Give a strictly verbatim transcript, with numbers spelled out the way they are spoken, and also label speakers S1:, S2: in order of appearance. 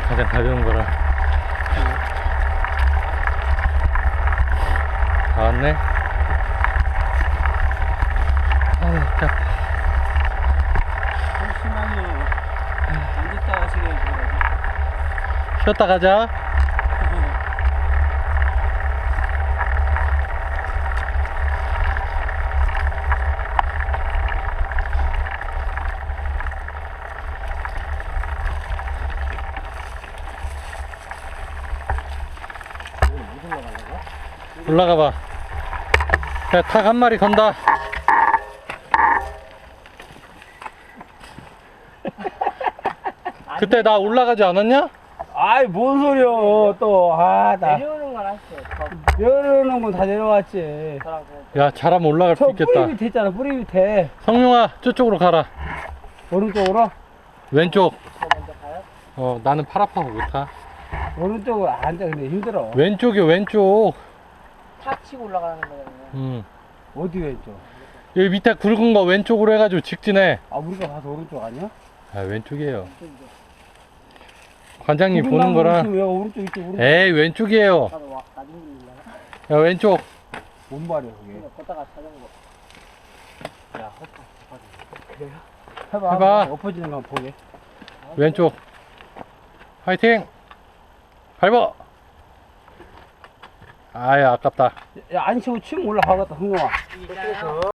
S1: 가장 가벼운 거라. 다 왔네. 아유, 자.
S2: 잠시만요. 앉았다 하시게 해줘야지.
S1: 쉬었다 가자. 올라가 봐. 야, 닭 한 마리 건다. 그때 나 올라가지 않았냐?
S2: 아이, 뭔 소리여, 또. 아, 나.
S3: 내려오는 건 했어.
S2: 내려오는 건 다 내려왔지.
S1: 야, 잘하면 올라갈 수
S2: 저
S1: 있겠다.
S2: 뿌리 밑에 있잖아, 뿌리 밑에.
S1: 성룡아, 저쪽으로 가라.
S2: 오른쪽으로?
S1: 왼쪽.
S3: 저 먼저 가요?
S1: 어, 나는 팔 아파서 못 타.
S2: 오른쪽으로 앉아, 근데 힘들어.
S1: 왼쪽이요, 왼쪽.
S3: 탁 치고 올라가는 거잖아요.
S1: 음.
S2: 어디 왼쪽?
S1: 여기 밑에 굵은 거 왼쪽으로 해가지고 직진해.
S2: 아, 우리가 가서 오른쪽 아니야?
S1: 아, 왼쪽이에요.
S3: 이쪽이죠.
S1: 관장님 보는 거랑.
S2: 왜 오른쪽, 이쪽, 오른쪽.
S1: 에이, 왼쪽이에요.
S3: 나도 와, 나중에 올라가.
S1: 야, 왼쪽.
S2: 뭔 말이야, 그게.
S3: 걷다가 자전거.
S2: 야, 헛다.
S3: 그래요?
S2: 해봐.
S1: 해봐.
S2: 엎어지는 거 한번 보게.
S1: 왼쪽. 화이팅! 밟아! 아야, 아깝다.
S2: 야, 안 치고 치면 올라가겠다, 흥룡아.
S3: 있잖아요.